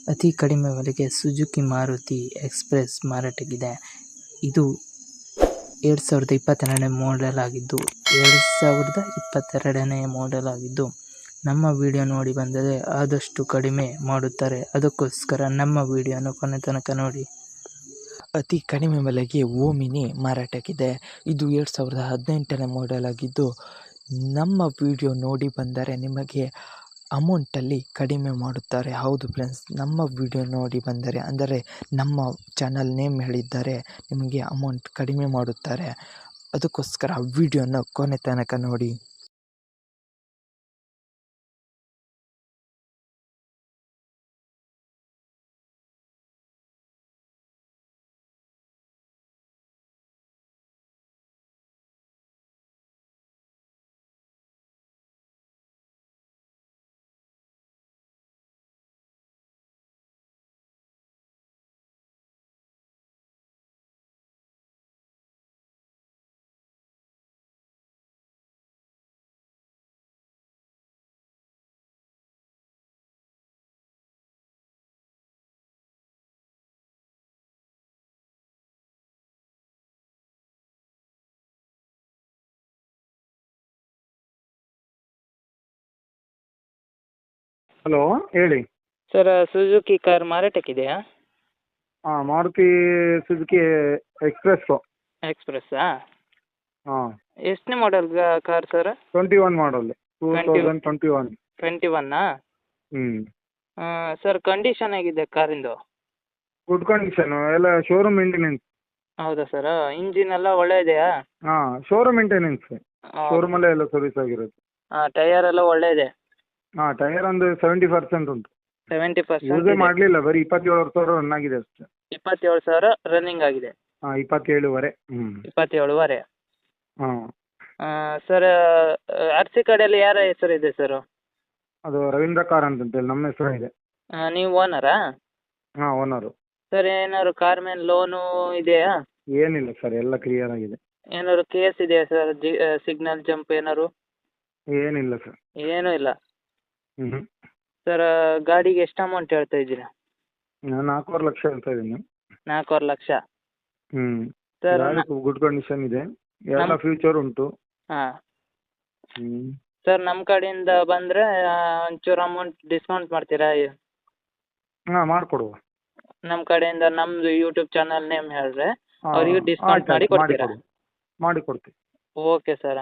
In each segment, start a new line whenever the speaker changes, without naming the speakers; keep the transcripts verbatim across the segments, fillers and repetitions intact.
ಅತಿ ಕಡಿಮೆ ಬೆಲೆಗೆ ಸುಜುಕಿ ಮಾರುತಿ ಎಕ್ಸ್‌ಪ್ರೆಸ್ ಮಾರಾಟಕ್ಕಿದೆ. ಇದು ಎರಡು ಸಾವಿರದ ಇಪ್ಪತ್ತೆರಡನೇ ಮಾಡೆಲ್ ಆಗಿದ್ದು ಎರಡು ಸಾವಿರದ ಇಪ್ಪತ್ತೆರಡನೇ ಮಾಡೆಲ್ ಆಗಿದ್ದು ನಮ್ಮ ವಿಡಿಯೋ ನೋಡಿ ಬಂದರೆ ಆದಷ್ಟು ಕಡಿಮೆ ಮಾಡುತ್ತಾರೆ. ಅದಕ್ಕೋಸ್ಕರ ನಮ್ಮ ವಿಡಿಯೋನ ಕೊನೆ ತನಕ ನೋಡಿ.
ಅತಿ ಕಡಿಮೆ ಬೆಲೆಗೆ ಓಮಿನಿ ಮಾರಾಟಕ್ಕಿದೆ. ಇದು ಎರಡು ಸಾವಿರದ ಹದಿನೆಂಟನೇ ಮಾಡೆಲ್ ಆಗಿದ್ದು ನಮ್ಮ ವಿಡಿಯೋ ನೋಡಿ ಬಂದರೆ ನಿಮಗೆ ಅಮೌಂಟಲ್ಲಿ ಕಡಿಮೆ ಮಾಡುತ್ತಾರೆ. ಹೌದು ಫ್ರೆಂಡ್ಸ್, ನಮ್ಮ ವಿಡಿಯೋ ನೋಡಿ ಬಂದರೆ ಅಂದರೆ ನಮ್ಮ ಚಾನಲ್ ನೇಮ್ ಹೇಳಿದ್ದಾರೆ ನಿಮಗೆ ಅಮೌಂಟ್ ಕಡಿಮೆ ಮಾಡುತ್ತಾರೆ. ಅದಕ್ಕೋಸ್ಕರ ವಿಡಿಯೋನ ಕೊನೆ ತನಕ ನೋಡಿ.
ಹಲೋ, ಹೇಳಿ
ಸರ್, ಸುಜುಕಿ ಕಾರ್ ಮಾರಾಟಕ್ಕಿದೆಯಾ?
ಹಾಂ, ಮಾರುತಿ ಸುಜುಕಿ ಎಕ್ಸ್‌ಪ್ರೆಸ್ಸು.
ಎಕ್ಸ್‌ಪ್ರೆಸ್ಸಾ?
ಹಾಂ,
ಎಷ್ಟನೇ model car sir?
Twenty one model, two thousand twenty one.
Twenty ಒನ್ನಾ?
ಹ್ಞೂ
ಸರ್, ಕಂಡೀಷನ್ ಹೇಗಿದೆ ಕಾರಿಂದು?
ಗುಡ್ ಕಂಡೀಷನು, ಎಲ್ಲ ಶೋರೂಮ್ ಮೇಂಟೆನೆನ್ಸ್.
ಹೌದಾ ಸರ್? ಇಂಜಿನ್ ಎಲ್ಲ ಒಳ್ಳೆ ಇದೆಯಾ?
ಹಾಂ, ಶೋರೂಮ್ ಮೇಂಟೆನೆನ್ಸ್, ಶೋರೂಮಲ್ಲೇ ಎಲ್ಲ ಸರ್ವಿಸ್ ಆಗಿರೋದು.
ಹಾಂ, ಟೈಯರ್ ಎಲ್ಲ ಒಳ್ಳೆ ಇದೆ?
ಹಾಂ, ಟೈರ್ ಒಂದು ಸೆವೆಂಟಿ ಪರ್ಸೆಂಟ್ ಉಂಟು.
ಸೆವೆಂಟಿ ಪರ್ಸೆಂಟ್
ಯೂಸೇ ಮಾಡಲಿಲ್ಲ, ಬರೀ ಇಪ್ಪತ್ತೇಳು ಸಾವಿರ ರನ್ ಆಗಿದೆ ಅಷ್ಟೇ.
ಇಪ್ಪತ್ತೇಳು ಸಾವಿರ ರನ್ನಿಂಗ್ ಆಗಿದೆ?
ಹಾಂ, ಇಪ್ಪತ್ತೇಳುವರೆ. ಹ್ಞೂ,
ಇಪ್ಪತ್ತೇಳುವರೆ.
ಹಾಂ.
ಸರ್, ಆರ್ ಸಿ ಕಾರ್ಡಲ್ಲಿ ಯಾರ ಹೆಸರು ಇದೆ ಸರ್?
ಅದು ರವೀಂದ್ರ ಕಾರ್ ಅಂತಂತೇಳಿ ನಮ್ಮ ಹೆಸರು ಇದೆ.
ನೀವು ಓನರಾ?
ಹಾಂ, ಓನರು.
ಸರ್, ಏನಾದ್ರು ಕಾರ್ ಮೇಲೆ ಲೋನು ಇದೆಯಾ?
ಏನಿಲ್ಲ ಸರ್, ಎಲ್ಲ ಕ್ಲಿಯರ್ ಆಗಿದೆ.
ಏನಾದ್ರು ಕೇಸ್ ಇದೆಯಾ ಸರ್? ಜಿ ಸಿಗ್ನಲ್ ಜಂಪ್ ಏನಾದ್ರು?
ಏನಿಲ್ಲ ಸರ್.
ಏನೂ ಇಲ್ಲ.
ಹ್ಞೂ.
ಸರ್, ಗಾಡಿಗೆ ಎಷ್ಟು ಅಮೌಂಟ್ ಹೇಳ್ತಾ ಇದ್ದೀರಾ?
ನಾನು ನಾಲ್ಕೂವರೆ ಲಕ್ಷ ಹೇಳ್ತಾ ಇದ್ದೀನಿ.
ನಾಲ್ಕೂವರೆ ಲಕ್ಷ?
ಹ್ಞೂ.
ಸರ್,
ಗುಡ್ ಕಂಡೀಷನ್ ಇದೆ, ಎಲ್ಲ ಫ್ಯೂಚರ್ ಉಂಟು.
ಹಾಂ.
ಹ್ಞೂ.
ಸರ್, ನಮ್ಮ ಕಡೆಯಿಂದ ಬಂದರೆ ಒಂಚೂರು ಅಮೌಂಟ್ ಡಿಸ್ಕೌಂಟ್ ಮಾಡ್ತೀರಾ?
ಹಾಂ, ಮಾಡಿಕೊಡುವ.
ನಮ್ಮ ಕಡೆಯಿಂದ ನಮ್ಮದು ಯೂಟ್ಯೂಬ್ ಚಾನಲ್ ನೇಮ್ ಹೇಳಿದ್ರೆ ಅವರಿಗೆ ಡಿಸ್ಕೌಂಟ್ ಮಾಡಿ ಕೊಡ್ತೀರಾ?
ಮಾಡಿ ಕೊಡ್ತೀವಿ.
Okay sir.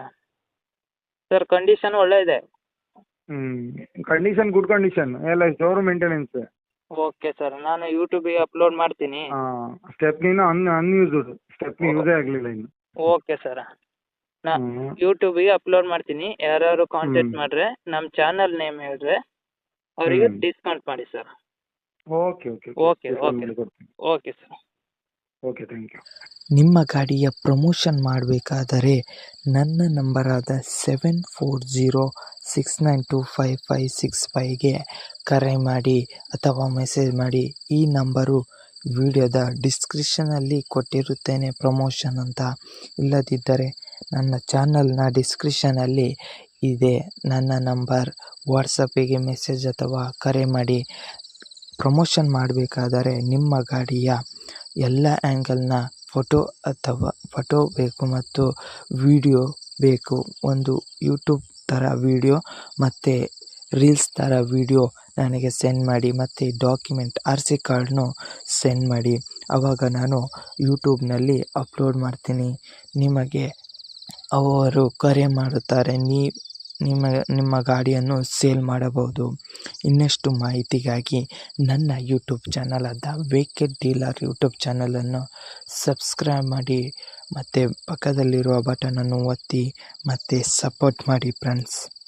ಸರ್, ಕಂಡೀಷನ್ ಒಳ್ಳೆ ಇದೆ?
ಹ್ಞೂ, ಕಂಡೀಷನ್ ಗುಡ್ ಕಂಡೀಷನ್, ಎಲ್ಲ ಶೋರೂಮ್ ಮೇಂಟೆನೆನ್ಸ್.
ಓಕೆ ಸರ್, ನಾನು ಯೂಟ್ಯೂಬಿಗೆ ಅಪ್ಲೋಡ್ ಮಾಡ್ತೀನಿ.
ಹಾಂ, ಸ್ಟೆಪ್ನಿನ ಅನ್ ಅನ್ಯೂಸ್ಡ್ ಸ್ಟೆಪ್ನಿ ಯೂಸೇ ಆಗಲಿಲ್ಲ ಇನ್ನು.
ಓಕೆ ಸರ್, ನಾ ಯೂಟ್ಯೂಬಿಗೆ ಅಪ್ಲೋಡ್ ಮಾಡ್ತೀನಿ. ಯಾರ್ಯಾರು ಕಾಂಟ್ಯಾಕ್ಟ್ ಮಾಡಿದ್ರೆ ನಮ್ಮ ಚಾನಲ್ ನೇಮ್ ಹೇಳಿದ್ರೆ ಅವರಿಗೆ ಡಿಸ್ಕೌಂಟ್ ಮಾಡಿ sir.
Okay okay
okay okay okay sir.
Okay, thank you.
ನಿಮ್ಮ ಗಾಡಿಯ ಪ್ರಮೋಷನ್ ಮಾಡಬೇಕಾದರೆ ನನ್ನ ನಂಬರಾದ seven four zero six nine two five five six ಫೈವ್ಗೆ ಕರೆ ಮಾಡಿ ಅಥವಾ ಮೆಸೇಜ್ ಮಾಡಿ. ಈ ನಂಬರು ವಿಡಿಯೋದ ಡಿಸ್ಕ್ರಿಪ್ಷನಲ್ಲಿ ಕೊಟ್ಟಿರುತ್ತೇನೆ ಪ್ರಮೋಷನ್ ಅಂತ. ಇಲ್ಲದಿದ್ದರೆ ನನ್ನ ಚಾನಲ್ನ ಡಿಸ್ಕ್ರಿಪ್ಷನಲ್ಲಿ ಇದೆ ನನ್ನ ನಂಬರ್. ವಾಟ್ಸಪ್ಪಿಗೆ ಮೆಸೇಜ್ ಅಥವಾ ಕರೆ ಮಾಡಿ. ಪ್ರಮೋಷನ್ ಮಾಡಬೇಕಾದರೆ ನಿಮ್ಮ ಗಾಡಿಯ ಎಲ್ಲ ಆ್ಯಂಗಲ್ನ ಫೋಟೋ ಅಥವಾ ಫೋಟೋ ಬೇಕು ಮತ್ತು ವಿಡಿಯೋ ಬೇಕು. ಒಂದು ಯೂಟ್ಯೂಬ್ ಥರ ವಿಡಿಯೋ ಮತ್ತು ರೀಲ್ಸ್ ಥರ ವಿಡಿಯೋ ನನಗೆ ಸೆಂಡ್ ಮಾಡಿ ಮತ್ತು ಡಾಕ್ಯುಮೆಂಟ್ ಆರ್ ಸಿ ಕಾರ್ಡ್ನು ಸೆಂಡ್ ಮಾಡಿ. ಆವಾಗ ನಾನು ಯೂಟ್ಯೂಬ್ನಲ್ಲಿ ಅಪ್ಲೋಡ್ ಮಾಡ್ತೀನಿ. ನಿಮಗೆ ಅವರು ಕರೆ ಮಾಡುತ್ತಾರೆ, ನೀ ನಿಮ್ಮ ನಿಮ್ಮ ಗಾಡಿಯನ್ನು ಸೇಲ್ ಮಾಡಬಹುದು. ಇನ್ನಷ್ಟು ಮಾಹಿತಿಗಾಗಿ ನನ್ನ ಯೂಟ್ಯೂಬ್ ಚಾನಲ್ ಆದ ವೆಹಿಕಲ್ ಡೀಲರ್ ಯೂಟ್ಯೂಬ್ ಚಾನಲನ್ನು ಸಬ್ಸ್ಕ್ರೈಬ್ ಮಾಡಿ ಮತ್ತು ಪಕ್ಕದಲ್ಲಿರುವ ಬಟನನ್ನು ಒತ್ತಿ ಮತ್ತು ಸಪೋರ್ಟ್ ಮಾಡಿ ಫ್ರೆಂಡ್ಸ್.